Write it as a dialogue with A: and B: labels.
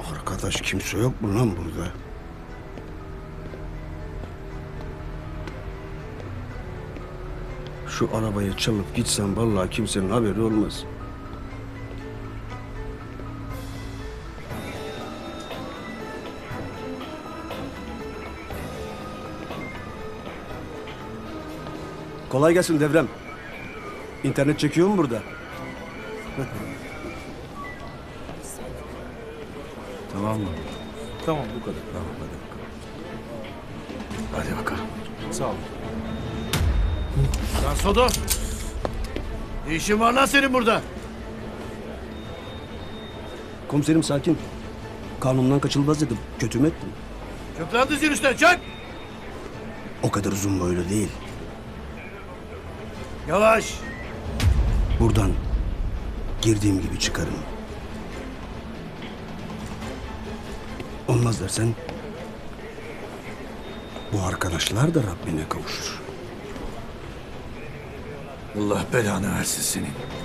A: Arkadaş kimse yok mu lan burada? Şu arabayı çalıp gitsem vallahi kimsenin haberi olmaz. Kolay gelsin Devrem. İnternet çekiyor mu burada?
B: Tamam mı?
C: Tamam bu kadar.
B: Tamam hadi bakalım.
A: Hadi bakalım.
C: Sağ ol. Lan Sodo! Ne işin var lan senin burada?
A: Komiserim sakin. Kanundan kaçılmaz dedim. Kötü mü ettim?
C: Çök lan dizin üstüne çök!
A: O kadar uzun boylu değil.
C: Yavaş!
A: Buradan girdiğim gibi çıkarım. Olmaz dersen bu arkadaşlar da Rabbine kavuşur.
B: Allah belanı versin senin.